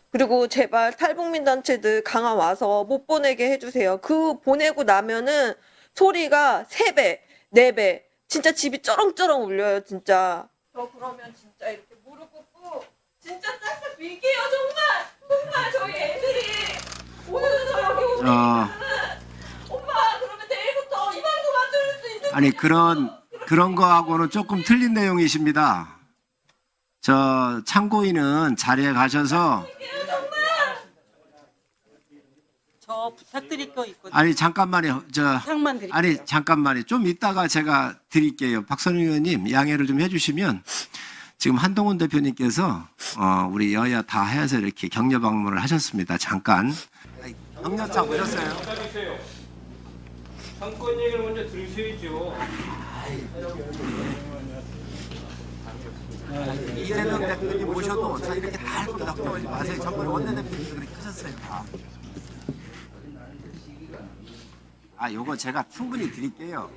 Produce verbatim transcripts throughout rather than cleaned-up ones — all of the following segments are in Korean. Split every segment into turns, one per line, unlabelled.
그리고 제발 탈북민 단체들 강화 와서 못 보내게 해주세요. 그 보내고 나면은 소리가 세 배, 네 배, 진짜 집이 쩌렁쩌렁 울려요, 진짜. 저 그러면 진짜 이렇게 무릎 꿇고 진짜 싹싹 빌게요, 정말. 정말 저희 애들이 오늘 저 여기 오는
어,
엄마 그러면 내일부터 이 방송 안 들을 수 있는
아니 그런 그런 거하고는 조금 틀린 내용이십니다. 저 참고인은 자리에 가셔서
저 부탁드릴 거 있거든요.
아니 잠깐만요. 저
부탁만 드릴게요.
아니 잠깐만요. 좀 이따가 제가 드릴게요. 박선우 의원님 양해를 좀 해주시면 지금 한동훈 대표님께서 어, 우리 여야 다 해서 이렇게 격려 방문을 하셨습니다. 잠깐 격려장 오셨어요?
상권 얘기를 먼저 들으셔야죠.
이재명 대표님 모셔도 저 이렇게 다 할거 걱정하지 마세요. 전번에 원내대표님도 그렇게 하셨어요. 다. 아, 요거 제가 충분히 드릴게요.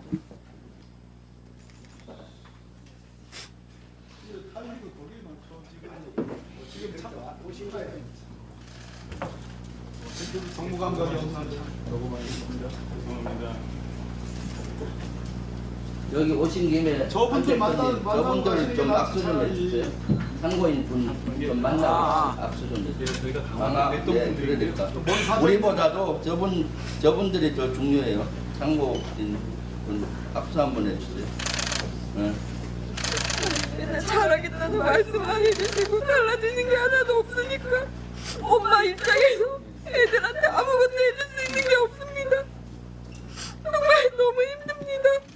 여기 오신 김에
저분들 만나-
저분들 좀
만나고
악수 좀 해주세요. 상고인 분 좀 만나고
아.
악수 좀 해주세요.
저희가
강화
강화
네, 그래야 될까? 우리보다도 저분 저분들이 더 중요해요. 상고인 분 악수 한번 해주세요. 네.
맨날 잘하겠다는 말씀만 해주시고 달라지는 게 하나도 없으니까 엄마 입장에서 애들한테 아무것도 해줄 수 있는 게 없습니다. 정말 너무 힘듭니다.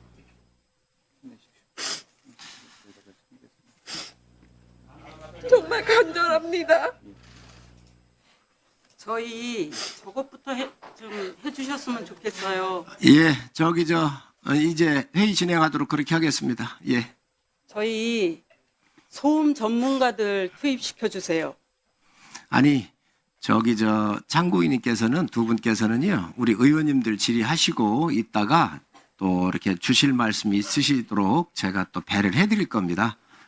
정말 간절합니다.
저희 저것부터 해, 좀 해주셨으면 좋겠어요.
예, 저기 저 어, 이제 회의 진행하도록 그렇게 하겠습니다. 예.
저희 소음 전문가들 투입시켜 주세요.
아니 저기 저 참고인님께서는 두 분께서는요 우리 의원님들 질의하시고 있다가 또 이렇게 주실 말씀이 있으시도록 제가 또 배를 해드릴 겁니다.